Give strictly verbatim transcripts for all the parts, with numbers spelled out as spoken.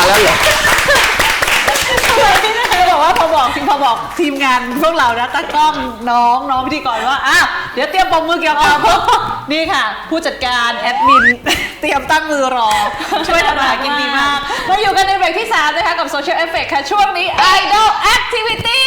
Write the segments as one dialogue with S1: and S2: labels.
S1: แล้วเหรอ
S2: บอกว่าพอบอกพอบอกทีมงานพวกเรานะตากล้องน้องน้องพิธีกรว่าอ่ะเดี๋ยวเตรียมปมมือเกี่ยวกับนี่ค่ะผู้จัดการแอดมินเตรียมตั้งมือรอช่วยทำอาหารกินดีมากมาอยู่กันในเบรกที่สามนะคะกับ Social Effect ค่ะช่วงนี้ Idol Activity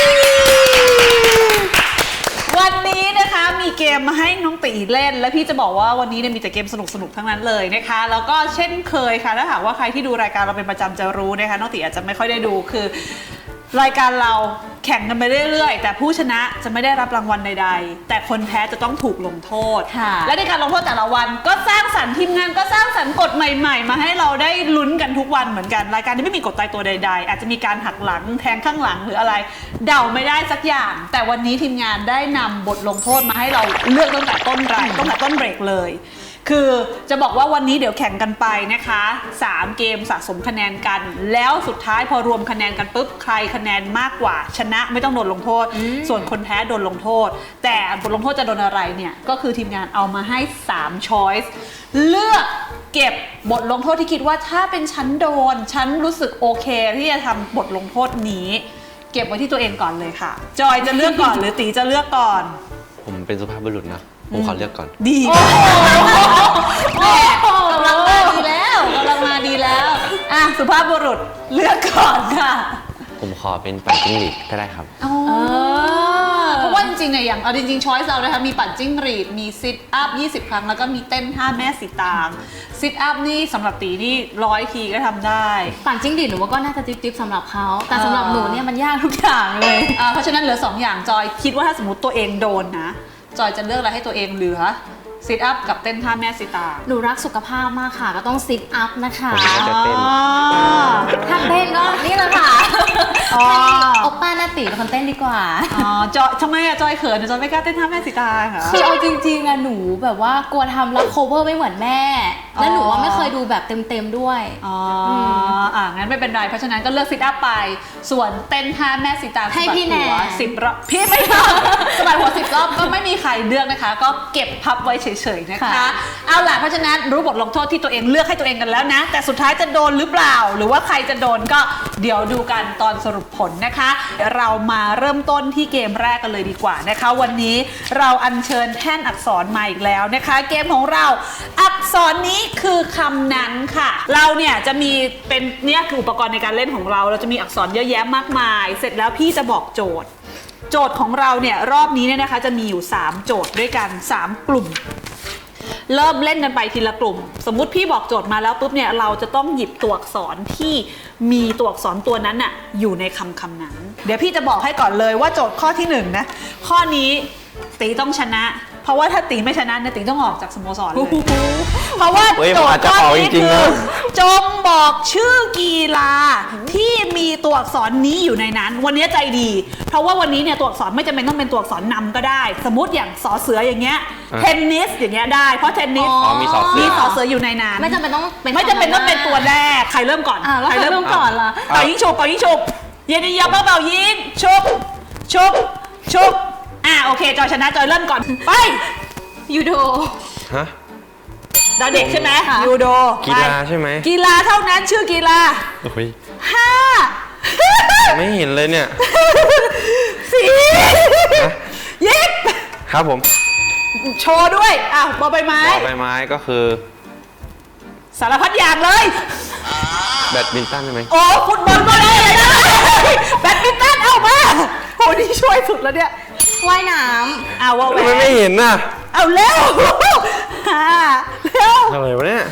S2: วันนี้นะคะมีเกมมาให้น้องตีเล่นและพี่จะบอกว่าวันนี้เนี่ยมีแต่เกมสนุกๆทั้งนั้นเลยนะคะแล้วก็เช่นเคยค่ะถ้าหากว่าใครที่ดูรายการเราเป็นประจำจะรู้นะคะน้องตีอาจจะไม่ค่อยได้ดูคือรายการเราแข่งกันไปเรื่อยๆแต่ผู้ชนะจะไม่ได้รับรางวัลใดๆแต่คนแพ้จะต้องถูกลงโทษและในการลงโทษแต่ละวันก็สร้างสรรค์ทีมงานก็สร้างสรรค์กฎใหม่ๆมาให้เราได้ลุ้นกันทุกวันเหมือนกันรายการนี้ไม่มีกฎตายตัวใดๆอาจจะมีการหักหลังแทงข้างหลังหรืออะไรเดาไม่ได้สักอย่างแต่วันนี้ทีมงานได้นำบทลงโทษมาให้เราเลือกตั้งแต่ต้นรายตั้งแต่ต้นเบรกเลยคือจะบอกว่าวันนี้เดี๋ยวแข่งกันไปนะคะสามเกมสะสมคะแนนกันแล้วสุดท้ายพอรวมคะแนนกันปุ๊บใครคะแนนมากกว่าชนะไม่ต้องโดนลงโทษส่วนคนแพ้โดนลงโทษแต่บทลงโทษจะโดนอะไรเนี่ยก็คือทีมงานเอามาให้สามช้อยส์เลือกเก็บบทลงโทษที่คิดว่าถ้าเป็นฉันโดนฉันรู้สึกโอเคที่จะทำบทลงโทษนี้เก็บไว้ที่ตัวเองก่อนเลยค่ะจอยจะเลือกก่อนหรือตีจะเลือกก่อน
S1: ผมเป็นสุภาพบุรุษนะผมขอเลือกก่อน
S2: ดีแม่กำลังมาดีแล้วกำลังมาดีแล้วอ่ะสุภาพบุรุษเลือกก่อนค่ะ
S1: ผมขอเป็นปั่นจิ้งหรีดก็ได้ครับ
S2: เพราะว่าจริงๆเนี่ยอย่างเอาจริงๆช้อยส์เรานะคะมีปั่นจิ้งหรีดมีซิทอัพยี่สิบครั้งแล้วก็มีเต้นท่าแม่สีตางซิทอัพนี่สำหรับตีนี่ร้อยทีก็ทำได้
S3: ปั่นจิ้งหรีดหนูว่าก็น่าจะจิ๊บๆสำหรับเขาแต่สำหรับหนูเนี่ยมันยากทุกอย่างเลย
S2: เพราะฉะนั้นเหลือสองอย่างจอยคิดว่าถ้าสมมติตัวเองโดนนะจอยจะเลือกอะไรให้ตัวเองเหลือซิทอัพกับเต้นท่าแม่สีตาง
S3: หนูรักสุขภาพมากค่ะก็ต้องซิทอัพนะคะ
S1: ผมก็จะเต้น
S3: ถ้าเต้นก็นี่แหละค่ะโอป้าหน้าตีเป็นคนเต้นดีกว่า
S2: อ๋อจอยทำไมอะจอยเขินจอยไม่กล้าเต้นท่าแม่สีตางค่ะ
S3: คือเอาจริงๆอะหนูแบบว่ากลัวทำแล้ว cover ไม่เหมือนแม่และหนูว่าไม่เคยดูแบบเต็มๆด้วย
S2: อ๋ออ่างั้นไม่เป็นไรเพราะฉะนั้นก็เลือกซิทอัพไปส่วนเต้นท่าแม่สีตาง
S3: ให้พี่แนน
S2: สิบรอบพี่ไม่ทำสบายหัวสิบรอบก็ไม่มีใครเลือกนะคะก็เก็บพับไว้เฉยๆนะคะเอาล่ะเพราะฉะนั้นรู้บทลงโทษที่ตัวเองเลือกให้ตัวเองกันแล้วนะแต่สุดท้ายจะโดนหรือเปล่าหรือว่าใครจะโดนก็เดี๋ยวดูกันตอนสรุปผลนะคะเรามาเริ่มต้นที่เกมแรกกันเลยดีกว่านะคะวันนี้เราอัญเชิญแท่นอักษรมาอีกแล้วนะคะเกมของเราอักษรนี้คือคำนั้นค่ะเราเนี่ยจะมีเป็นเนี่ยคืออุปกรณ์ในการเล่นของเราเราจะมีอักษรเยอะแยะมากมายเสร็จแล้วพี่จะบอกโจทย์โจทย์ของเราเนี่ยรอบนี้เนี่ยนะคะจะมีอยู่สามโจทย์ด้วยกันสามกลุ่มเริ่มเล่นกันไปทีละกลุ่มสมมุติพี่บอกโจทย์มาแล้วปุ๊บเนี่ยเราจะต้องหยิบตัวอักษรที่มีตัวอักษรตัวนั้นน่ะอยู่ในคำคำนั้นเดี๋ยวพี่จะบอกให้ก่อนเลยว่าโจทย์ข้อที่หนึ่งนะข้อนี้ตีต้องชนะเพราะว่าถ้าตีไม่ชนะเนี่ยตีต้องออกจากสโมสรเลยเพราะว่าโจทย์ข้อนี้คือจงบอกชื่อกีฬาที่มีตัวอักษรนี้อยู่ในนั้นวันนี้ใจดีเพราะว่าวันนี้เนี่ยตัวอักษรไม่จำเป็นต้องเป็นตัวอักษรนำก็ได้สมมติอย่างสอเสืออย่างเงี้ยเทนนิสอย่างเงี้ยได้เพราะเทนนิส
S1: มีสอเสือ
S2: มีสอเสืออยู่ในนั้น
S3: ไม่จำเป็นต้อง
S2: ไม่จำเป็นต้องเป็นตัวแรกใครเริ่มก่อน
S3: ใครเริ่มก่อนล่ะ
S2: เป่ายิงฉุบเป่ายิงฉุบเย็นยับเป่ายิงฉุบฉุบฉุบอ่ะโอเคจอยชนะจอยเริ่มก่อนไป
S3: ยูโด
S1: ฮะ
S2: ดาเด็กใช่ไหมยูโด
S1: กีฬาใช่ไหม
S2: กีฬาเท่านั้นชื่อกีฬา
S1: โอ้ย
S2: ห้า
S1: ไม่เห็นเลยเนี่ย
S2: สี่ยิบ
S1: ครับผม
S2: โชว์ด้วยอ่ะบอใบไม้
S1: บอใบไม้ก็คือ
S2: สารพัดอย่างเลย
S1: แบดมินตันใช่ไหม
S2: โอ้ฟุตบอลก็ได้เลยนะแบดมินตันเอามาโหนี่ช่วยสุดแล้วเนี่ย
S3: ว่ายน้ำ
S2: เอาว่าแหวน
S1: ไม่เห็นน่ะ
S2: เอาเร็วฮ่าเร็ว
S1: อะไรวะเนี่ย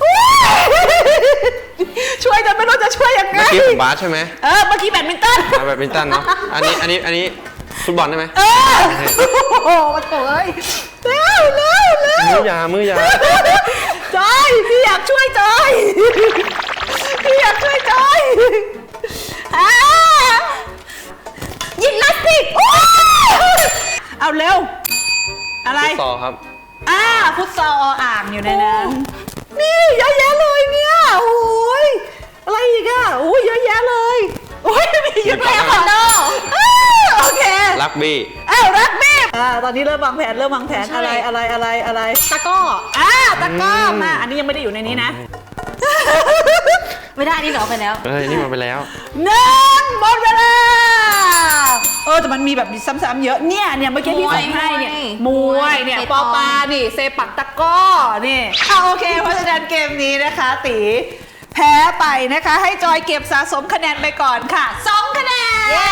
S2: ช่วยจนไม่รู้จะช่วยยังไง
S1: เมื่อกี้ผมบาสใช่ไหม
S2: เออเมื่อกี้แบดมินตัน
S1: แบดมินตันเนาะอันนี้อันนี้อันนี้ฟุตบอลได้ไหม
S2: เออโอ้โหมาโถยเร็วเร็วเร็ว
S1: มือยามือยา
S2: จอยพี่อยากช่วยจอยพี่อยากช่วยจอยอ่ายิมนาสติกเอาเร็วอะไร
S1: ฟุตซอลครับ
S2: อ่าฟุตซอลอ่างอยู่ในนั้นนี่เยอะแยะเลยเนี่ยโอ้ยอะไรอีกอ่ะโอ้ยเยอะแยะเลยโอ้ยมีเยอะแยะคนโดโอเค
S1: รักบี้
S2: อ้าวรักบี้อ่าตอนนี้เริ่มวางแผนเริ่มวางแผนอะไรอะไรอะไรอะไร
S3: ตะก้อ
S2: อ่าตะก้อมาอันนี้ยังไม่ได้อยู่ในนี้นะ
S3: ไม่ได้นี่เหรอไปแล้ว
S1: เอ้ยนี่มาไปแล้ว
S2: หนึ่งหมดเวลาเออแต่มันมีแบบซ้ำๆเยอะเนี่ยเนี่ยเมื่อกี้ที่ส่งให้เนี่ยม
S3: ม
S2: ว
S3: วย ย
S2: เนี่ย
S3: เตะ
S2: ป
S3: บ
S2: อ
S3: อล
S2: ปานี่เซปักตะกร้อนี่อ่ะโอเคเพราะฉะนั้นเกมนี้นะคะตีแพ้ไปนะคะให้จอยเก็บสะสมคะแนนไปก่อนค่ะสองคะแนน
S3: เย้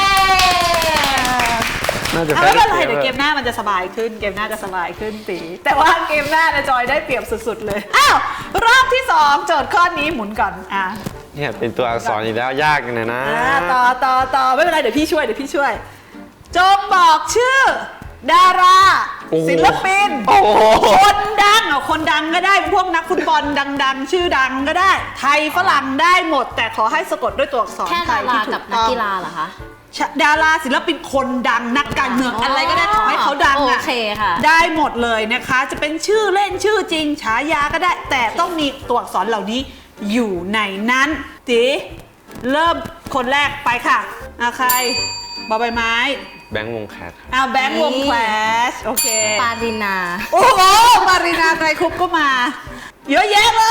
S1: น่าจะ
S2: เอา
S1: แพ้
S2: ไม่เป็นไร
S1: เกม
S2: เดี๋ยวเกมหน้ามันจะสบายขึ้นเกมหน้าจะสบายขึ้นตีแต่ว่าเกมหน้าเนี่ยจอยได้เปรียบสุดๆเลยอ้าวรอบที่สองโจทย์ข้อนี้หมุนก่อนอ่ะ
S1: เนี่ยเป็นตัวอักษรอีกแล้วยากเลยนะ
S2: อ่าต่อต่อต่อไม่เป็นไรเดี๋ยวพี่ช่วยเดี๋ยวพี่ช่วย จงบอกชื่อ ดารา
S1: โอ้โห
S2: ศิลปิน
S1: โอ้โห
S2: คนดังเอาคนดังก็ได้เป็นพวกนักฟุตบอลดังๆ ชื่อดังก็ได้ ไทยฝรั่งได้หมด แต่ขอให้สะกดด้วยตัวอักษร
S3: แค่
S2: ไท
S3: ดาย รา
S2: ที่ถู
S3: กับ
S2: ก
S3: นัก
S2: ต้อง
S3: กีฬาเหรอคะ
S2: ดาราศิลปินคนดังนักการเมืองอะไรก็ได้ขอให้เขาดังอ่ะ
S3: โอเคค่ะ
S2: ได้หมดเลยนะคะ จะเป็นชื่อเล่นชื่อจริงฉายาก็ได้ แต่ต้องมีตัวอักษรเหล่านี้อยู่ในนั้นตีเริ่มคนแรกไปค่ะอาใครบอใบไม้
S1: แบงค์วงแคทครับ
S2: เอาแบงค์วงแคลชโอเค
S3: ปารินา
S2: โอ้โหมารีนาไกรคุปก็มา เยอะแยะเลย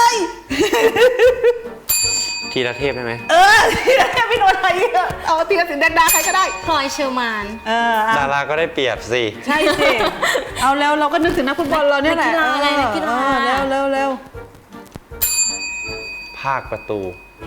S1: ทีละเทพได้ไหม
S2: เออที่นั่นพี่โนนท์อะไรเอาทีละสินแดงดาใครก็ได้
S3: พลอยเชอร์มาน
S2: เออเอา
S1: ดาราก็ได้เปรียบสิ
S2: ใช่สิ เอาแล้วเราก็นึกถึงนักฟุตบอลเราเนี่ยแหละ
S3: นักกีฬาอะไรนักกีฬา
S2: เออเร็วเร็วเร็ว
S1: ภาคประตู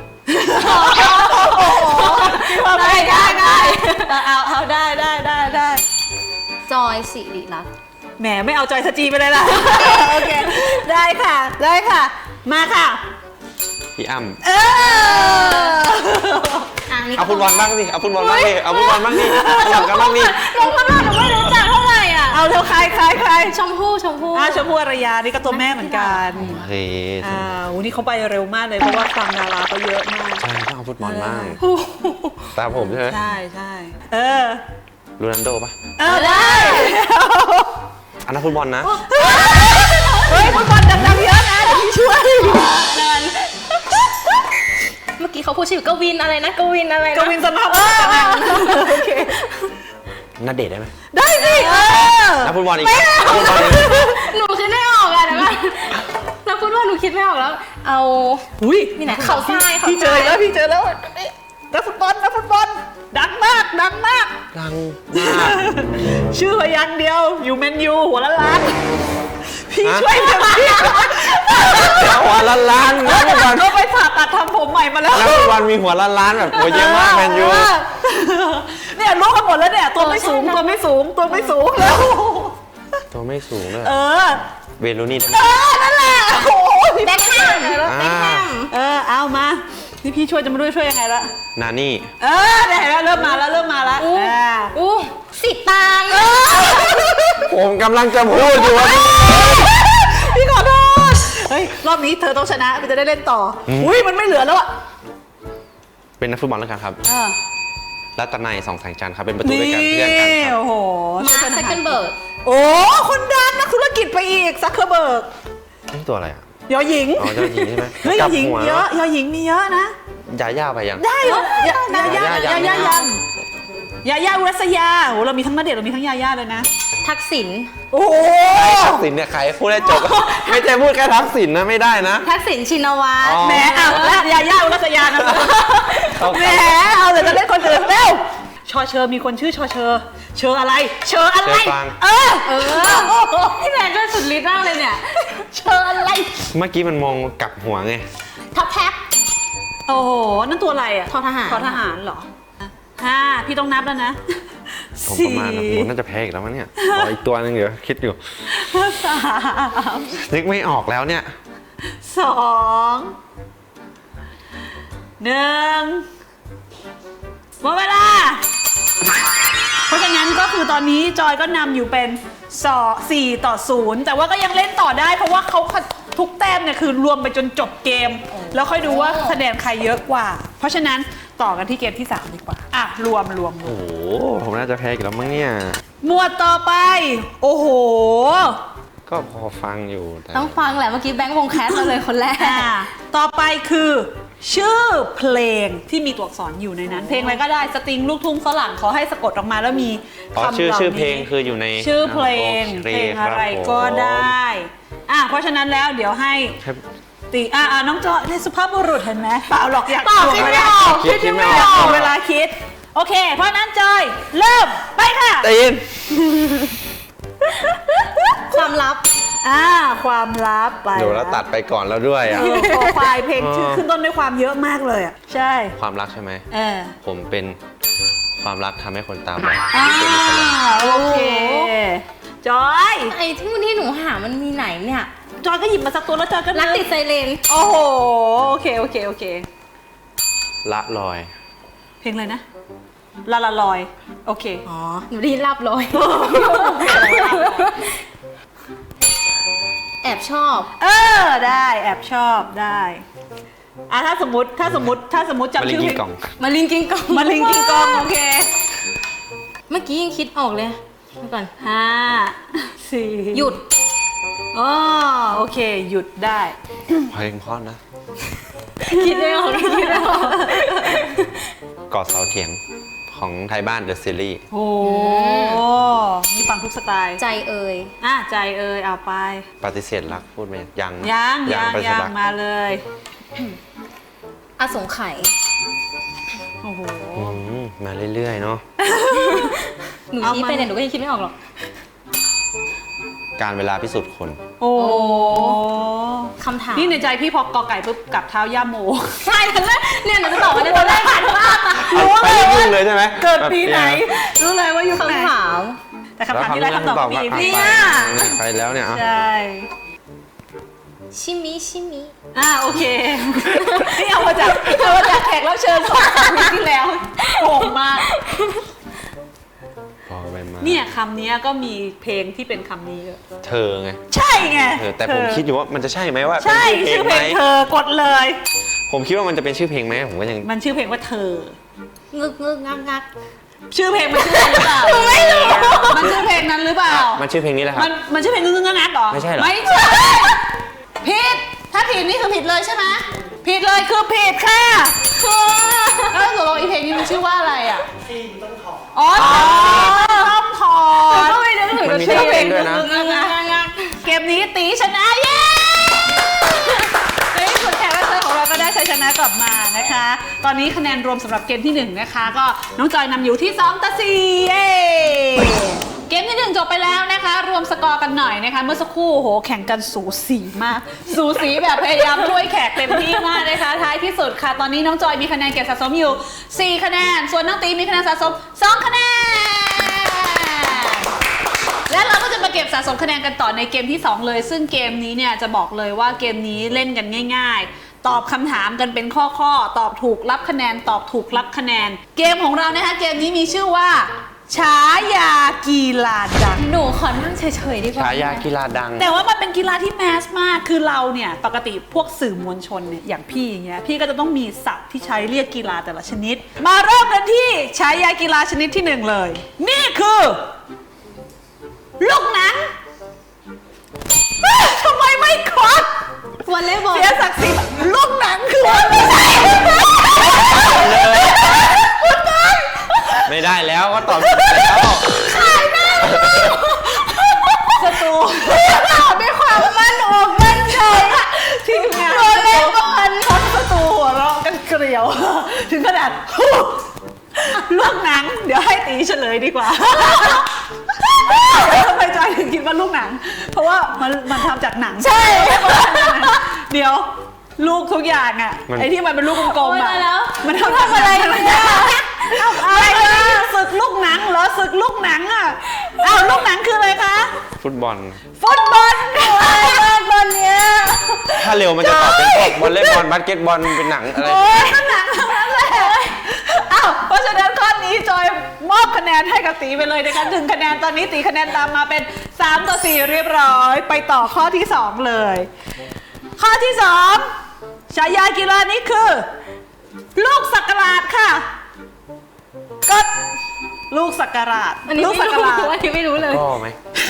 S2: ได้ได้ได้เอาเอาได้ได้ได้ได้
S3: จอยสิริรัตน์
S2: แหมไม่เอาจอยสจีไปเลยล่ะ โอเค ได้ค่ะ ได้ค่ะ มาค่ะ
S1: พี่อ้ำ
S2: เออ
S3: อ่ะนี่
S1: เอาฟุตบอลบ้างสิ เอาฟุตบอลบ้างดิ เอาฟุตบอลบ้างดิสลับกันบ้างดิ
S3: ลงมาหน่อยหนูไม่รู้จักเท่าไหร่อ่ะ
S2: เอาเร็วใครใครใคร
S3: ชมพู่ชมพู่
S2: อ่าชมพู่อารยานี่ก็ตัวแม่เหมือนกัน
S1: เฮ้ย
S2: อ่าวันนี้เขาไปเร็วมากเลยเพราะว่าฟังดาราเขาเยอะมาก
S1: ใช่ต้องเอาฟุตบอลบ้างตามผมใช่ไหม
S2: ใช่ใช่เออ
S1: โรนัลโดปะ
S2: เออได้
S1: อันนั้นฟุตบอลนะ
S2: เฮ้ยฟุตบอลดังๆเยอะนะเดี๋ยวพี่ช่วย
S3: เดินเมื่อกี้เขาพูดชื่อกวินอะไรนะกวินอะไรนะ
S2: กวินสมาร์ทโอเค
S1: นัดเดทได้ไหม
S2: ได้สิเออ
S1: นักฟุตบอลอีกนักฟุตบอลอีก
S3: หนูคิดไม่ออกอะเดี๋ยวก่อนนักฟุตบอลหนูคิดไม่ออกแล้ว เอา
S2: อุ้ย
S3: นี่ไหนเขาทรายเขา
S2: พี่เจอ
S3: ทราย
S2: แล้วพี่เจอแล้วนักฟุตบอลนักฟุตบอลดังมากดังมาก
S1: ดังมาก
S2: ชื่อพยางค์เดียวอยู่แมนยูหัวละล้าน พี่
S1: ฮะ
S2: ช่วยเต็มที่
S1: เดี๋ยวหัวล้านล้านนักฟุตบอล
S2: ก็ไปผ่าตัดทำผมใหม่มาแล้ว
S1: นักฟุตบอลมีหัวล้านล้านแบบโอ้ยเยอะมากแมนยู
S2: เออเนี่ยรู้กันหมดแล้วเนี่ยตัวไม่สูงตัวไม่สูงตัวไม่สูงแล้ว
S1: ตัวไม่สูงเลย
S2: เออ
S1: เวลูนี่ได้ไหม
S2: เออนั่นแหละโอ้โห
S3: แบ็คแฮม
S1: อ่า
S3: แบ็คแฮม
S2: เออเอามานี่พี่ช่วยจะมาด้วยช่วยยังไงละ
S1: นานี่
S2: เออได้เห็นแล้วเริ่มมาแล้วเริ่มมาแล้ว
S3: อู้
S2: อ่า
S3: อู้สิตาง
S1: ผมกำลังจะพูดอยู่ว่า
S2: พี่ขอโทษเฮ้ยรอบนี้เธอต้องชนะมันจะได้เล่นต่อออุ้ยมันไม่เหลือแล้วอะ
S1: เป็นนักฟุตบอลแล้วกันครับ
S2: เออ
S1: รัตนัยสองแสงจันทร์ครับ เป็นประตู
S2: นี่
S1: ด้วยกันเพื่อนกันครับ
S2: โอ้โห
S3: มาร์คเซคันเบิร์ก
S2: โอ้คนดังนักธุรกิจไปอีกซักเคอร์เบิร์ก
S1: นี่ตัวอะไรอ่ะ
S2: ยอหญิง
S1: อ๋อเจ้าหญิงใช่ไหม
S2: เฮ้ยย
S1: กลั
S2: อบ หญิง
S1: หัว
S2: เยอะยอหญิงมีเยอะนะ
S1: ยาย่าไปยัง
S2: ได้เหรอยายายายายายังยายาอุรัสยาโอ้เรามีทั้งณเดชน์เรามีทั้งยายาเลยนะ
S3: ทักษิณ
S2: โอ้โห
S1: ทักษิณเนี่ยใครพูดได้จบ ไม่ใช่พูดแค่ทักษิณนะไม่ได้นะ
S3: ทักษิณชินวัตร
S1: อ๋อ
S2: แหมเอาละยายาอุรัสยานะ
S1: เอา
S2: แหมเอาเดี๋ยวจะเล่นคนอื่นเร็วชอเชอมีคนชื่อชอเชอเชออะไร เชออะไร เออ
S3: เออพี่แมนก็สุดฤทธิ์มากเลยเนี่ย
S2: เชออะไร
S1: เมื่อกี้มันมองกลับหัวไง
S3: ท็อปแท็บ
S2: โอ้โหนั่นตัวอะไรอ่ะ
S3: ทอทหาร
S2: ทอทหารเหรอห้าพี่ต้องนับแล้วนะ
S1: ผมประมาณนะผมน่าจะแพ้อีกแล้วมั้งเนี่ยขออีกตัวหนึงเดี๋ยวคิดอยู่
S2: สาม
S1: นึกไม่ออกแล้วเนี่ย
S2: สองหนึ่งหมดเวลา เพราะฉะนั้นก็คือตอนนี้จอยก็นำอยู่เป็นสอสี่ต่อศูนย์แต่ว่าก็ยังเล่นต่อได้เพราะว่าเขาทุกแต้มเนี่ยคือรวมไปจนจบเกม แล้วค่อยดูว่าคะแนนใครเยอะกว่า เพราะฉะนั้นต่อกันที่เกมที่สามดีกว่าอ่ะรวมรวมรว
S1: โอ้
S2: ม
S1: โห ผมน่าจะแพ้อีกแล้วมั้งเนี่ย
S2: หมวดต่อไป โอ้โห
S1: ก็พอฟังอยู่แต่
S3: ต้องฟังแหละเมื่อกี้แบงค์วงแคสมาเลยคนแรก
S2: อ่าต่อไปคือ ชื่อเพลงที่มีตัวอักษรอยู่ในนั้น เพลงอะไรก็ได้สตริงลูกทุ่งฝรั่งขอให้สะกดออกมาแล้วมี
S1: อ๋อ
S2: คำ
S1: ชื่อ
S2: เหล่า
S1: ชื่อเพลง
S2: นี้
S1: คืออยู่ใน
S2: ชื่อเพลง
S1: โอ
S2: เพ
S1: ค
S2: ลงอะไร
S1: คบผม
S2: ก็ได้อ่ะเพราะฉะนั้นแล้วเดี๋ยวให้
S1: ให้
S2: ตีอ่าอ่าน้องจอยนี่สุภาพบุรุษเห็นไหมเปล่าหรอกอยาก
S3: ตอบคิดไม่ออก
S1: คิดคิดไม่อ
S2: อยาก
S1: อก
S2: เวลาคิดโอเคเพราะนั้นจอยเริ่มไปค่ะ
S1: ใจเย็น
S3: ความลับ
S2: อ่าความลับไป
S1: เดี๋ยวเราตัดไปก่อนแล้วด้วยอ่ะ
S2: เออโปรไฟล์เพลงชื่อ
S1: เออ
S2: ขึ้นต้นด้วยความเยอะมากเลยอ่ะใช่
S1: ความรักใช่ไหม
S2: เออ
S1: ผมเป็นความรักทำให้คนตาบอด
S2: อ่าโอเคจอย
S3: ไอ้ที่ที่หนูหามันมีไหนเนี่ย
S2: จอยก็หยิบมาสักตัวแล้วจอยก็
S3: รักติดไซเรน
S2: โอ้โหโอเคโอเคโอเค
S1: ละลอย
S2: เพลงอะไรนะลาลาลอยโอเค
S3: อ๋อ หนูได้ยินลับเลย แอบชอบ
S2: เออได้แอบชอบได้อ่ะถ้าสมมติถ้าสมมติถ้าสมมติ
S1: มา
S2: จำ
S1: ลิง
S2: ชื่อ
S1: กิ
S2: เพลง
S1: นกล่อง
S3: มาลิงกิงกอง
S2: มาลิงกิงกองโอเค
S3: เมื่อกี้ยังคิดออกเลยเดี๋ยวก่อน
S2: ห้าสี่
S3: หยุด
S2: อ๋อโอเค หยุดได้
S1: เพลงเพราะนะ
S3: คิดไม่ออกคิดไม่ออก
S1: กอดเสาเถียงของไทยบ้านเดอะซีรีส์
S2: โอ้มีฟังทุกสไตล์
S3: ใจเอ่ย
S2: อ่ะใจเอ่ยเอาไป
S1: ปฏิเสธรักพูดไหมยัง
S2: ยังยัง
S1: ปฏิเส
S2: ยั
S1: ธ
S2: ง
S1: รัก
S2: มาเลย
S3: อสงไขย
S2: โอ้โห
S1: อืมมาเรื่อยๆเนาะ
S3: หนู
S2: เอา
S3: ชี้
S2: มา
S3: ไปเนี่ยหนูก็ยังคิดไม่ออกหรอก
S1: การเวลาพิสูจน์คน
S2: โอ้
S3: คำถาม
S2: นี่ในใจพี่พอกอไก่ปุ๊บกับเท้าย่าโม
S3: ใช่แล้วเนี่ยหนูจะตอบว่าในตอนแรกผ่านว่า
S2: รู้
S1: ไป
S2: เลย
S1: ยุ่
S2: ว่าง
S1: เลยใช่ไหม
S2: เกิดปีไหน
S1: แบบเ
S2: รู้เลยว่ายุคไหน
S3: คำถาม
S2: แต่คำถามที่ไรคำตอบพี่
S1: อ่ะ
S2: เนี่
S1: ไป
S2: ย
S1: ไปแล้วเนี่ยอ่ะ
S2: ใช่
S3: ชิมิชิมิ
S2: อ่าโอเค นี่เอามาจากเอามาจากแขกรับเชิญสองสามปีที่แล้วโกงมาก
S1: พอไปมา
S2: เนี่ยคำนี้ก็มีเพลงที่เป็นคำนี้เยอะ
S1: เธอไง
S2: ใช่ไง
S1: เออแต่ผมคิดอยู่ว่ามันจะใช่ไหมว่า
S2: ใช่
S1: เป็น
S2: ชื่อเพลง
S1: ไหม
S2: เธอกดเลย
S1: ผมคิดว่ามันจะเป็นชื่อเพลงไหมผมก็ยัง
S2: มันชื่อเพลงว่าเธอ
S3: งึกงึกงักงัก
S2: ชื่อเพลงมันชื่อนั้นหรือเปล่าไม่รู้มันชื่อเพลงนั้นหรือเปล่า
S1: มันชื่อเพลงนี้แหละครั
S2: มั
S1: บ
S2: นมันชื่อเพลงงึ้งงักๆหรอ
S1: ไม่ใช่เหรอ
S2: ไม่ใช่ผิดถ้าผิดนี่คือผิดเลยใช่ไหมผิดเลยคือผิดค่ะแล้วตกลงอีเพลงนี้มันชื่อว่าอะไรอ่ะซีนต้องถอดอ๋อต้องถอด
S3: ก็ไม่นึกถึง
S1: มันมี
S3: ชื่อเพลง
S1: ด้วยนะ
S3: งึกงักงักงัก
S2: เกมนี้ตีชนะเย้ในที่สุดแขกรับเชิญของเราก็ได้ชัยชนะกลับมานะคะ ตอนนี้คะแนนรวมสำหรับเกมที่หนึ่งนะคะ ก็น้องจอยนำอยู่ที่สองต่อสี่เย้เกมที่หนึ่งจบไปแล้วนะคะ รวมสกอร์กันหน่อยนะคะ เมื่อสักครู่โหแข่งกันสูสีมาก สูสีแบบพยายามช่วยแขกเต็มที่มากนะคะ ท้ายที่สุดค่ะ ตอนนี้น้องจอยมีคะแนนเก็บสะสมอยู่สี่คะแนน ส่วนน้องตีมีคะแนนสะสมสองคะแนน และเราก็จะมาเก็บสะสมคะแนนกันต่อในเกมที่สองเลย ซึ่งเกมนี้เนี่ยจะบอกเลยว่าเกมนี้เล่นกันง่าย ๆ ตอบคำถามกันเป็นข้อๆตอบถูกรับคะแนน ตอบถูกรับคะแนน เกมของเรานะคะเกมนี้มีชื่อว่าฉายากีฬาดัง
S3: หนูขอนั่งเฉยๆดีกว่า
S1: ฉายากีฬาดัง
S2: แต่ว่ามันเป็นกีฬาที่แมสมาก คือเราเนี่ยปกติพวกสื่อมวลชนเนี่ยอย่างพี่อย่างเงี้ย พี่ก็จะต้องมีศัพท์ที่ใช้เรียกกีฬาแต่ละชนิด มาเริ่มกันที่ฉายากีฬาชนิดที่หนึ่งเลย นี่คือ ลูกหนังเอ้ยทำไมไม่ควัก
S3: วอลเลย์บอล
S2: เสียศักดิ์ศรีลูกหนังคือว่าไม่ใช่
S1: ไม่ได้แล้วก็ตอบผิดแล้ว
S2: สตูตอบด้วยความมั่นอกมั่นใจทีมงานวอลเลย์บอลทั้งสตูหัวเราะกันเกลียว ถึงขนาดลูกหนัง เดี๋ยวให้ตีเฉลยดีกว่าทำไมจอยถึงคิดว่าลูกหนัง เพราะว่ามันมันทำจากหนัง ใช่ เดี๋ยวลูกทุกอย่างอ่ะ
S1: มัน
S2: ไอ้ที่มันเป็นลูกกลมๆ
S3: โอ๊ย
S2: อ่ะ
S3: ตายแล้ว
S2: มันทำจากอะไรเนี่ยอะไรนะศึกลูกหนังเหรอศึกลูกหนังอ่ะอ้าวลูกหนังคืออะไรคะ
S1: ฟุตบอล
S2: ฟุตบอลค่ะบอลเนี้ย
S1: ถ้าเร็วมันจะตอบเป็นพวกวอลเลย์บอลบาสเกตบอลเป็นหนังอะไร
S2: โอ้ยหนังทั้งนั้นแหละอ้าวเพราะฉะนั้นข้อนี้จอยมอบคะแนนให้กับตีไปเลยนะคะหนึ่งคะแนนตอนนี้ตีคะแนนตามมาเป็นสามต่อสี่เรียบร้อยไปต่อข้อที่สองเลย ข้อที่สองฉายากีฬานี้คือ ลูกสักการาดค่ะก็ลูกสักการาด
S3: อันนี้
S2: ลูก
S3: ไม่
S2: สัก
S3: รู้
S2: การาด
S3: อันนี้ไม่รู้เลย
S1: ก็ไหม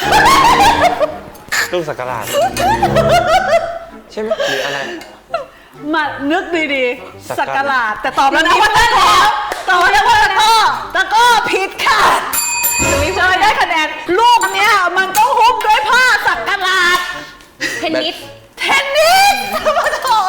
S1: ลูกสักการะใช่ไหมหรืออะไร
S2: มานึกดี
S1: สั
S2: ๆ สัก
S1: กการะ
S2: การาดแต่ตอบแล้วนะว่าได้แล้วตอบแล้วว่าตะก้อตะก้อผิดค่ะวิจอยได้คะแนนลูกเนี้ยมันต้องหุ้มด้วยผ้าสักการาด
S3: เทนนิส
S2: เทนนิสมาโถ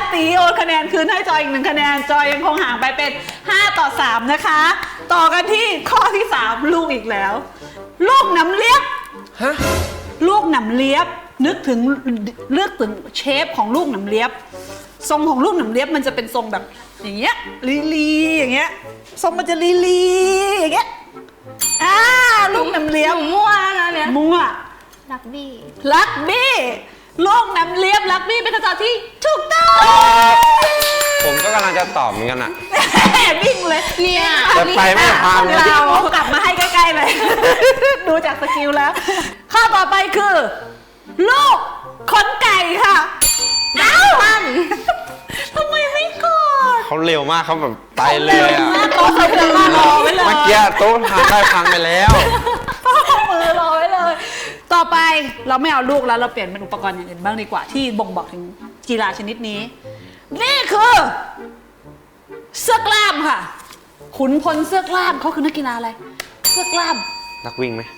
S2: ตีโอนคะแนนคืนให้จอยอีกหนึ่งคะแนนจอยยังคงห่างไปเป็นห้าต่อสามนะคะ ต่อกันที่ข้อที่สามลูกอีกแล้ว ลูกหนำเลียบ
S1: ฮะ
S2: ลูกหนำเลียบนึกถึงเลือกถึงเชฟของลูกหนำเลียบทรงของลูกหนำเลียบมันจะเป็นทรงแบบอย่างเงี้ยลีลีอย่างเงี้ยทรงมันจะลีลีอย่างเงี้ยอ่าลูกหนำเลียบ
S3: หนูมั่วแล้วนะเนี่ย
S2: มั่ว
S3: รักบี้
S2: ลักบี้ลูกหนำเลียบลักบี้เป็นคำตอบที่ถูกต้อง
S1: ผมก็กำลังจะตอบเหมือนกันอะ
S2: วิ่งเลย
S3: เนี่ย
S1: แต่ไปไม่ทัน
S2: เรากลับมาให้ใกล้ๆเลย ดูจากสกิลแล้ว ข้อต่อไปคือ ลูกขนไก่ค่ะเอ้าทำไมไม่กด
S1: เขาเร็วมากเขาแบบไปเลยอะ
S2: โต๊ะเขาเดินมารอไว้เลย
S1: เมื่อกี้โต๊ะพังได้พังไปแล้ว
S2: เอามือรอไว้เลย ต่อไปเราไม่เอาลูกแล้วเราเปลี่ยนเป็นอุปกรณ์อย่างอื่นบ้างดีกว่าที่บ่งบอกถึงกีฬาชนิดนี้ นี่คือเสื้อกล้ามค่ะ ขุนพลเสื้อกล้ามเขาคือนักกีฬาอะไรเสื้อกล้าม
S1: นักวิ่งไหม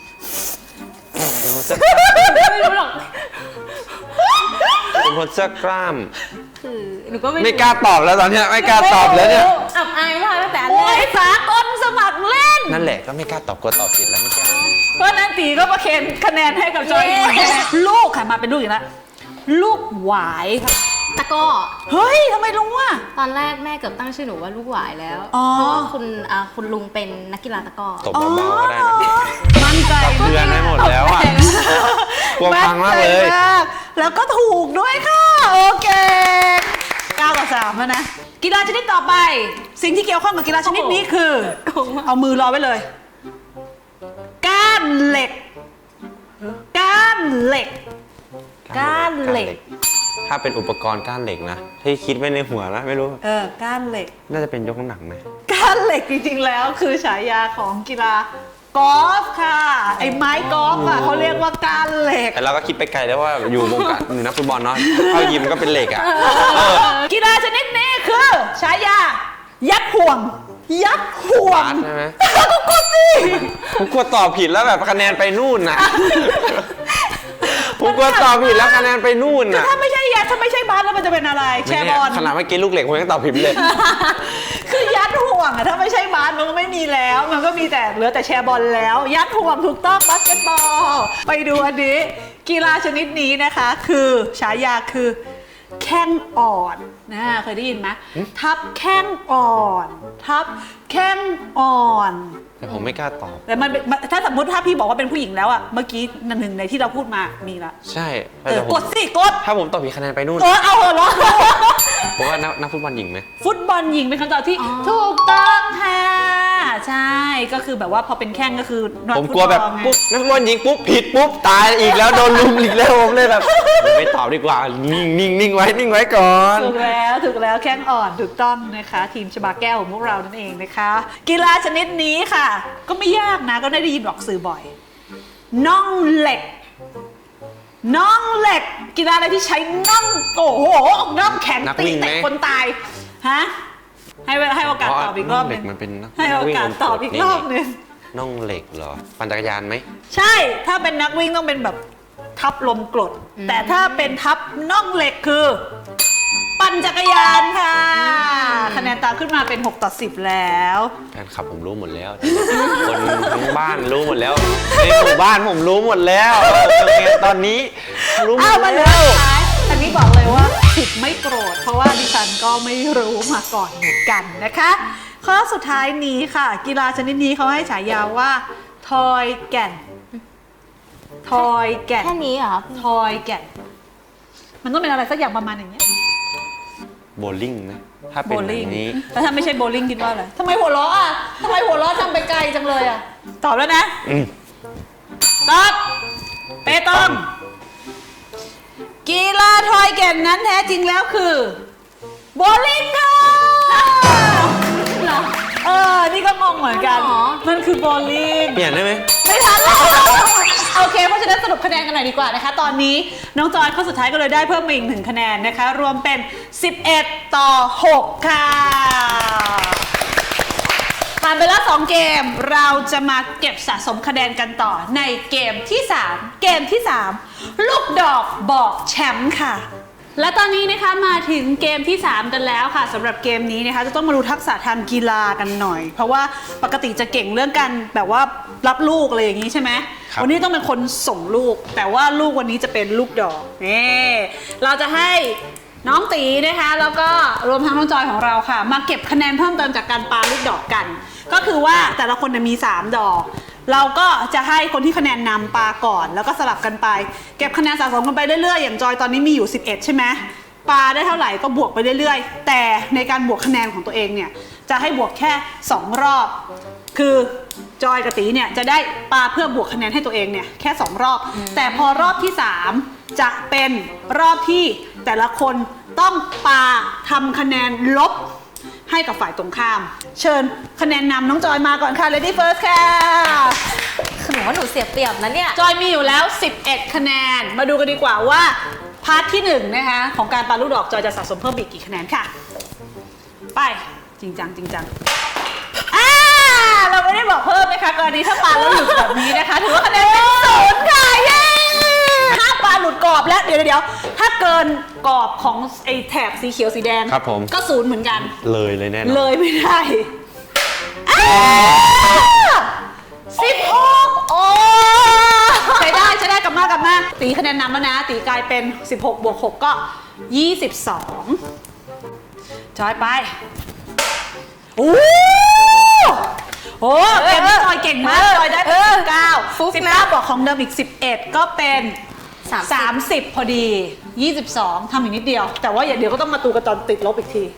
S3: ไม่รู้หรอก
S1: เป็นคนเสื้อกล้าม
S3: คือหนูก็ไม่
S1: ไม่กล้าตอบแล้วตอนเนี้ยไม่กล้าตอบแล้วเนี่ย
S3: อับอายมากตั้งแต่
S2: โอ้
S3: แร
S2: ย
S3: ก
S2: สากลสมัครเล่น
S1: นั่นแหละก็ไม่กล้าตอบกลัวตอบผิดแล้วไม่กล้า
S2: เพราะนั้นตีก็ประเคนคะแนนให้กับจอยลูกค่ะมาเป็นลูกอีกแล้วลูกหวายค่ะ
S3: ตะกร้อ
S2: เฮ้ยทำไมรู้อ่ะ
S3: ตอนแรกแม่เกือบตั้งชื่อหนูว่าลูกหวายแล้ว
S2: อ๋อ
S3: เพราะว่าคุณอ่าคุณลุงเป็นนักกีฬาตะกร้อ
S1: ตบเบาๆก็ได้นะ
S2: มั่นใจ
S1: เตือนไว้หมดแล้วอะ กลัวพังมากเลย
S2: นใจมากแล้วก็ถูกด้วยค่ะ โอเคเก้าต่อสามแล้วนะ กีฬาชนิดต่อไป สิ่งที่เกี่ยวข้องกับกีฬาชนิดนี้คือ เอามือรอไว้เลย ก้านเหล็ก ก้านเหล็ก ก้านเหล็ก
S1: ถ้าเป็นอุปกรณ์ก้านเหล็กนะที่คิดไว้ในหัวนะไม่รู้
S2: เออ ก้านเหล็ก
S1: น่าจะเป็นยกน้ำหนักไหม
S2: ก้านเหล็กจริงๆแล้วคือฉายาของกีฬากอล์ฟค่ะ ไอ้ไม้กอล์ฟอ่ะเขาเรียกว่าก้านเหล็ก
S1: แต่เราก็คิดไปไกลแล้วว่าอยู่วงการอยู่นักฟุตบอลเนาะเข้ายิมก็เป็นเหล็กอ่ะ
S2: กีฬาชนิดนี้คือฉายา ยัดห่วง ยัดห่วง
S1: บาสใช่ไหม
S2: ก็กดสิ
S1: ผมกลัวตอบผิดแล้วแบบคะแนนไปนู่นน่ะ ผมกลัวตอบผิดแล้วคะแนนไปนู่นน่ะ
S2: ถ้าไม่ใช่ยัดถ้าไม่ใช่บาสแล้วมันจะเป็นอะไร แชร์บอล
S1: ขนาดเมื่อกี้ลูกเหล็กผมยังตอบผิดเลย
S2: คือยัดห่วงอะถ้าไม่ใช่บาสมันก็ไม่มีแล้ว มันก็มีแต่เหลือแต่แชร์บอลแล้ว ยัดห่วงถูกต้องบาสเกตบอลไปดูอันนี้ กีฬาชนิดนี้นะคะ คือฉายาคือ แข้งอ่อนนะเคยได้ยินไหมทับแข้งอ่อน ทับแข้งอ่อน
S1: แต่ผมไม่กล้าตอบ
S2: แต่มันมันถ้าสมมติถ้าพี่บอกว่าเป็นผู้หญิงแล้วอะเมื่อกี้หนึ่งในที่เราพูดมามีละ
S1: ใช่
S2: เออ
S1: แต่ผม
S2: กดสิกด
S1: ถ้าผมตอบผิดคะแนนไปนู่น
S2: เออเอาเหอะเหรอ
S1: ผมว่านักนักฟุตบอลหญิงไหม
S2: ฟุตบอลหญิงเป็นคำตอบที่ถูกต้องค่ะใช่ก็คือแบบว่าพอเป็นแข้งก็คือนั
S1: ผมกลัวแบบ
S2: ฟุตอไง
S1: ปุ๊บนักฟุตบอลหญิงปุ๊บผิดปุ๊บตายอีกแล้วโดนลุมอีกแล้วผมเลยแบบไม่ตอบดีกว่านิ่งนิ่งนิ่งไว้นิ่งไว้ก่อน
S2: ถูกแล้วถูกแล้วแข้งอ่อนถูกต้องนะคะ ทีมชบาแก้วของพวกเรานั่นเองนะคะ กีฬาชนิดนี้ค่ะ ก็ไม่ยากนะก็ได้ยินบอกสื่อบ่อยน่องเหล็กน่องเหล็ก กีฬาอะไรที่ใช้น่องโอ้โหน่องแข็ง
S1: นัก
S2: ตี
S1: วิ่งไหม
S2: เตะคนตายฮะให้เวลาให้โอกาสตอบอีกรอบห
S1: เห
S2: นึ
S1: ล็
S2: ง
S1: กมันเป็นนัก
S2: ให้โอกาสตอบอีกรอบหนึง
S1: น่องเหล็กเหรอปั่นจักรยานไหม
S2: ใช่ถ้าเป็นนักวิ่งต้องเป็นแบบทับลมกรดแต่ถ้าเป็นทับน่องเหล็กคือ ปั่นจักรยานค่ะ คะแนนตามขึ้นมาเป็นหกต่อสิบแล้ว
S1: แฟนคลับผมรู้หมดแล้ว คนทั้งบ้านรู้หมดแล้วในหมู่บ้านผมรู้หมดแล้วโอเคตอนนี้รู้หม
S2: อ้าว
S1: ด
S2: มาเหลือ
S1: แล้ว
S2: สุดท้ายอันนี้บอกเลยว่าผิดไม่โกรธ เพราะว่าดิฉันก็ไม่รู้มาก่อนเหมือนกันนะคะ ข้อสุดท้ายนี้ค่ะ กีฬาชนิดนี้เขาให้ฉายาว่า ทอยแก่น ทอยแก่น
S3: แค่นี้เหรอครับ
S2: ทอยแก่น มันต้องเป็นอะไรสักอย่างประมาณอย่างเงี้ย
S1: โบว์ลิ่งไหมถ้าเป็น
S2: โบ
S1: แบ
S2: ลิ่ง
S1: บนี้
S2: แล้วถ้าไม่ใช่โบลิ่งคิดว่าอะไรทำไมหัวเราะอ่ะทำไมหัวเราะทำไปไกลจังเลยอ่ะ ตอบแล้วนะ
S1: อืม
S2: ตอบ เปตอง กีฬาทอยแก่นนั้นแท้จริงแล้วคือโบลิ่งค่ะเออ นี่ก็งงเหมือนกัน
S3: อ๋อ
S2: มันคือโบลิ่ง
S1: เปลี่ยนได้ไหม
S2: ไม่ทันแล้วโอเค เพราะฉะนั้นสรุปคะแนนกันหน่อยดีกว่านะคะ ตอนนี้น้องจอยข้อสุดท้ายก็เลยได้เพิ่มมาอีกหนึ่งคะแนนนะคะ รวมเป็น สิบเอ็ด ต่อ หก ค่ะผ่านไปแล้วสองเกมเราจะมาเก็บสะสมคะแนนกันต่อในเกมที่สามเกมที่สามลูกดอกบอกแชมป์ค่ะและตอนนี้นะคะมาถึงเกมที่สามกันแล้วค่ะสำหรับเกมนี้นะคะจะต้องมาดูทักษะทางกีฬากันหน่อย เพราะว่าปกติจะเก่งเรื่องการแบบว่ารับลูกอะไรอย่างนี้ใช่ไหม
S1: ครับ
S2: วันนี้ต้องเป็นคนส่งลูก แต่ว่าลูกวันนี้จะเป็นลูกดอกนี่เราจะให้น้องตีนะคะแล้วก็รวมทั้งน้องจอยของเราค่ะ มาเก็บคะแนนเพิ่มเติมจากการปาลูกดอกกัน ก็คือว่าแต่ละคนจะมีสามดอก เราก็จะให้คนที่คะแนนนำปาก่อนแล้วก็สลับกันไปเก็บคะแนนสะสมกันไปเรื่อยๆอย่างจอยตอนนี้มีอยู่สิบเอ็ดใช่ไหมปาได้เท่าไหร่ก็บวกไปเรื่อยๆแต่ในการบวกคะแนนของตัวเองเนี่ยจะให้บวกแค่สองรอบคือจอยกับตีเนี่ยจะได้ปาเพื่อบวกคะแนนให้ตัวเองเนี่ยแค่สองรอบ แต่พอรอบที่สามจะเป็นรอบที่แต่ละคนต้องปาทำคะแนนลบให้กับฝ่ายตรงข้ามเชิญคะแนนนำน้องจอยมาก่อนค่ะ Lady First ค่ะ
S3: คือหนูว่าหนูเสียเปรียบนะเนี่ย
S2: จอยมีอยู่แล้วสิบเอ็ดคะแนนมาดูกันดีกว่าว่าพาร์ทที่หนึ่งนะคะของการปาลูกดอกจอยจะสะสมเพิ่มอีกกี่คะแนนค่ะไปจริงจังจริงจังอ่าเราไม่ได้บอกเพิ่มนะคะกรณีถ้าปาแล้วหลุดแบบนี้นะคะถือว่าคะแนนเป็นศูนย์ค่ะเย้ถ้าปลาหลุดกรอบแล้วเดี๋ยวเดี๋ยวถ้าเกินกรอบของไอ้แถบสีเขียวสีแดง
S1: ครับผม
S2: ก็ศูนย์เหมือนกัน
S1: เลยเลยแน่นอน
S2: เลยไม่ได้สิบหกโอ้ใช้ได้ใช้ได้กลับมากลับมาตีคะแนนนำแล้วนะตีกลายเป็นสิบหกบวกหกก็ยี่สิบสองจอยไปโอ้โหเกมนี้จอยเก่งมากจอยได้เป็นสิบเก้า
S3: ฟุกนะ
S2: สิบเก้าบวกของเดิมอีกสิบเอ็ดก็เป็น
S3: สามสิบ
S2: สามสิบพอดียี่สิบสองทำอีกนิดเดียว แต่ว่าอย่าเดี๋ยวก็ต้องมาตูกันตอนติดลบอีกที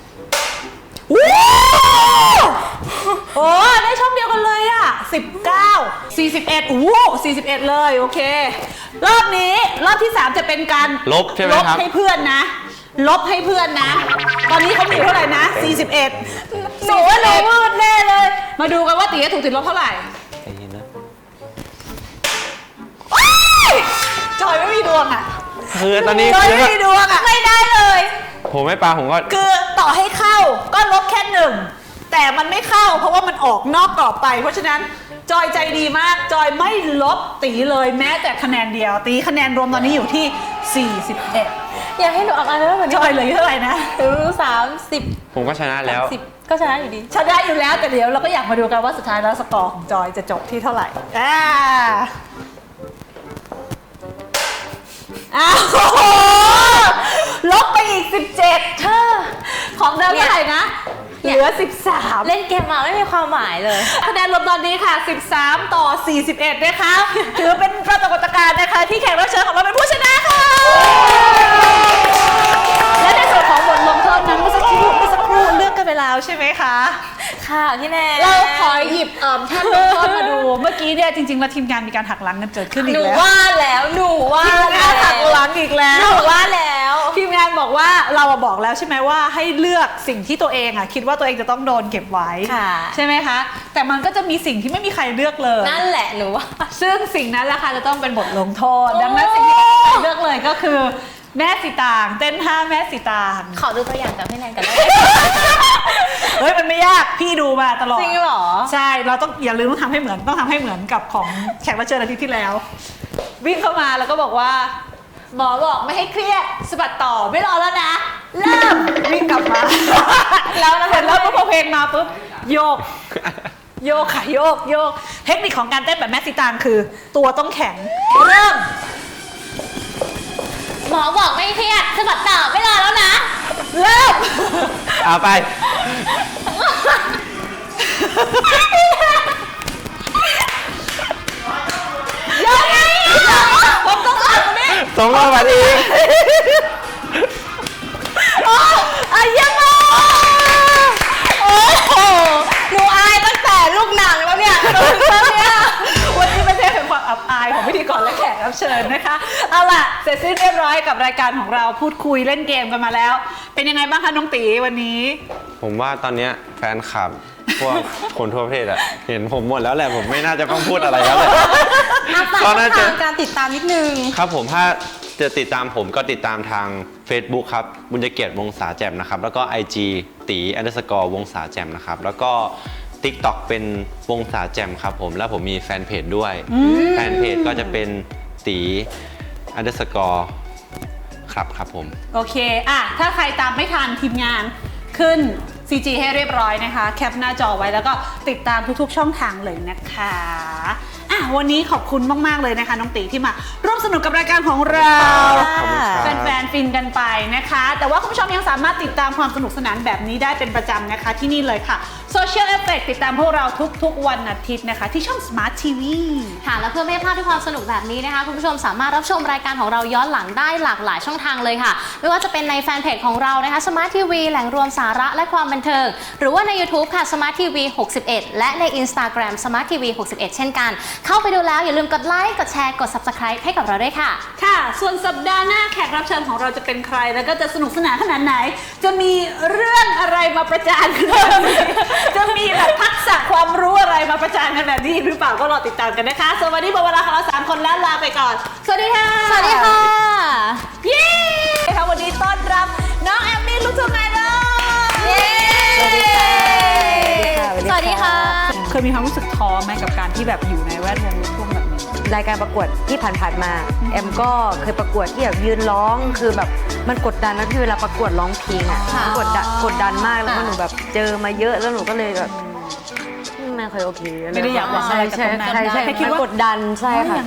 S2: โอ้ได้ช่องเดียวกันเลยอ่ะสิบเก้า สี่สิบเอ็ดโอ้สี่สิบเอ็ดเลยโอเค รอบนี้รอบที่สามจะเป็นการ
S1: ลบใช่ไหม
S2: ลบ
S1: ครับ
S2: ให้เพื่อนนะ ลบให้เพื่อนนะ ตอนนี้เขามีเท่าไหร่นะสี่สิบเอ็ดหนูว่าหนูมืดแน่เลย มาดูกันว่าตีจะถูกติดลบเท่าไหร่
S1: ใจเย็นนะ
S2: จอยไม่มีดวงอ่ะ
S1: คือตอนนี้
S2: จอย
S1: คือ
S2: ไม่มีดวงอ่ะไม่ได้เลย
S1: ผมไม่ปลาผมก็
S2: คือต่อให้เข้าก็ลบแค่หนึ่งแต่มันไม่เข้าเพราะว่ามันออกนอกกรอบไป เพราะฉะนั้นจอยใจดีมากจอยไม่ลบตีเลยแม้แต่คะแนนเดียว ตีคะแนนรวมตอนนี้อยู่ที่สี่สิบเอ็ด
S3: อยากให้หนูออกอะไรแล้วเหมือน
S2: จอยเหลยเท่าไหร่นะ
S3: หนูสามสิบ
S1: ผมก็ชนะแล้ว
S3: สิบก็ชนะอยู่ดี
S2: ชนะอยู่แล้วแต่เดี๋ยวเราก็อยากมาดูกันว่าสุดท้ายแล้วสกอร์ของจอยจะจบที่เท่าไหร่อ่าอ้าวลบไปอีกสิบเจ็ดเธอของเดิมเท่าไหร่นะเหลือสิบสาม
S3: เล่นเกมมาไม่มีความหมายเลย
S2: คะแนนรวมตอนนี้ค่ะ สิบสาม ต่อ สี่สิบเอ็ด นะคะ ถือเป็นปรากฏการณ์นะคะที่แขกรับเชิญของเราเป็นผู้ชนะค่ะ และในส่วนของบทลงโทษนั้นเมื่อสักครู่เมื่อสักครู่เลือกกันไปแล้วใช่ไหมคะ
S3: ค่ะพี่แนน
S2: เราขอหยิบเอ่อท่านลงโทษมาดู เมื่อกี้เนี่ยจริงๆแล้วทีมงานมีการหักหลังกันเกิดขึ้นอี
S3: ห
S2: ก
S3: นู
S2: แล้ว
S3: ว่าแล้วหนูว่า
S2: ทีม
S3: แล้
S2: งานหักหลังอีกแล้ว
S3: หนูว่าแล้ว
S2: ทีมงานบอกว่าเราอะบอกแล้วใช่ไหมว่าให้เลือกสิ่งที่ตัวเองอะคิดว่าตัวเองจะต้องโดนเก็บไว้
S3: ค่ะ
S2: ใช่ไหมคะ แต่มันก็จะมีสิ่งที่ไม่มีใครเลือกเลย
S3: นั่นแหละหนูว่า
S2: ซึ่งสิ่งนั้นแหละค่ะจะต้องเป็นบทลงโทษ ดังนั้นสิ่งที่ไม่มีใครเลือกเลยก็คือแม่สีตางเต้นท่าแม่สีตาง
S3: ขอดูตัวอย่างกับพี่แนนกันได้
S2: เฮ้ยมันไม่ยากพี่ดูมาตลอด
S3: จริงเหรอ
S2: ใช่เราต้องอย่าลืมต้องทำให้เหมือนต้องทำให้เหมือนกับของแขกรับเชิญอาทิตย์ที่แล้ว วิ่งเข้ามาแล้วก็บอกว่า หมอบอกไม่ให้เครียดสะบัดต่อไม่รอแล้วนะเริ่มวิ่งกลับมา แล้วเสร็จแล้วพอเพลงมาปุ๊บโยก โยกค่ะโยกโยกเทคนิคของการเต้นแบบแม่สีตางคือ ตัวต้องแข็งเริ่ม
S3: หมอบอกไม่เครียดสะบัดต่อไม่รอแล้วนะ
S2: เริ่ม
S1: เอาไป
S2: ยังไงผมต้องอ่านตรงนี้
S1: สองรอบมาดี
S2: โอ้อะยังไงโอ้โห
S3: หนูอายตั้งแต่ลูกหนังแล้วเนี่ย
S2: เนี่ยวันนี้ไม่ใช่เป็นความอับอายของพิธีกรและแขกรับเชิญนะคะเอาล่ะเสร็จสิ้นเรียบร้อยกับรายการของเราพูดคุยเล่นเกมกันมาแล้ว เป็นยังไงบ้างคะน้องตีวันนี้
S1: ผมว่าตอนเนี้ยแฟนคลับพวกคนทั่วประเทศอะเห็นผมหมดแล้วแหละผมไม่น่าจะต้องพูดอะไรแล้วแหละ
S3: อาฝาก
S1: ก็น่าจะ
S3: ทางการติดตามนิดนึง
S1: ครับผมถ้าจะติดตามผมก็ติดตามทาง Facebook ครับบุญเกียรติวงศาแจ่มนะครับแล้วก็ ไอ จี ตี underscore วงศาแจ่มนะครับแล้วก็ TikTok เป็นวงศาแจ่มครับผมแล้วผมมีแฟนเพจด้วยแฟนเพจก็จะเป็นตี underscore ครับครับผม
S2: โอเคอ่ะถ้าใครตามไม่ทันทีมงานขึ้น ซี จี ให้เรียบร้อยนะคะแคปหน้าจอไว้แล้วก็ติดตามทุกๆช่องทางเลยนะคะอ่ะวันนี้ขอบคุณมากๆเลยนะคะน้องตีที่มาร่วมสนุกกับรายการของเรา
S1: ขอบคุณครับ
S2: แฟนๆฟินกันไปนะคะ แต่ว่าคุณผู้ชมยังสามารถติดตามความสนุกสนานแบบนี้ได้เป็นประจำนะคะที่นี่เลยค่ะ Social Effect ติดตามพวกเราทุกๆวันอาทิตย์นะคะที่ช่อง Smart ที วี
S3: ค่ะและเพื่อไม่ให้พลาดทุกความสนุกแบบนี้นะคะคุณผู้ชมสามารถรับชมรายการของเราย้อนหลังได้หลากหลายช่องทางเลยค่ะไม่ว่าจะเป็นในแฟนเพจของเรานะคะ Smart ที วี แหล่งรวมสาระและความบันเทิงหรือว่าใน YouTube ค่ะ Smart ที วี หกสิบเอ็ด และใน Instagram Smart ที วี หกสิบเอ็ด เช่นกันเข้าไปดูแล้วอย่าลืมกดไลค์กดแชร์กด Subscribe ให้กับเราด้วยค่ะ
S2: ค่ะ ส่วนสัปดาห์หน้าแขกรับเชิญของเราจะเป็นใคร แล้วก็จะสนุกสนานขนาดไหน จะมีเรื่องอะไรมาประจานกันแบบนี้ จะมีแบบทักษะความรู้อะไรมาประจานกันแบบนี้หรือเปล่าก็รอติดตามกันนะคะส่วนวันนี้หมดเวลาของเราสามคนแล้วลาไปก่อน สวัสดีค่ะ
S3: สวัสดีค่ะ
S2: เย้ค่ะวันนี้ต้อนรับน้องแอมมี่ลูกทุ่งไอดอลเย้
S3: สวัสดีค่ะ สวัสดีค่ะ
S2: เคยมีความรู้สึกท้อไหมกับการที่แบบอยู่ในแวดวงลูกทุ่งแบบนี้
S4: รายการประกวดที่ผ่านๆมาแอมก็เคยประกวดที่แบบยืนร้องคือแบบมันกดดันนะพี่เวลาประกวดร้องเพลงอ่ะ
S3: ค่ะ
S4: กดดันกดดันมากแล้วก็
S3: ค่ะ
S4: หนูแบบเจอมาเยอะแล้วหนูก็เลยแบบไม่ค่อยโอเค
S2: ไม่ได้อยากหวังอะไรกับตรงนั้น
S4: ใช่ใช่
S2: แค่คิด
S4: มัน
S2: ว่า
S4: กดดันใช่ค่ะ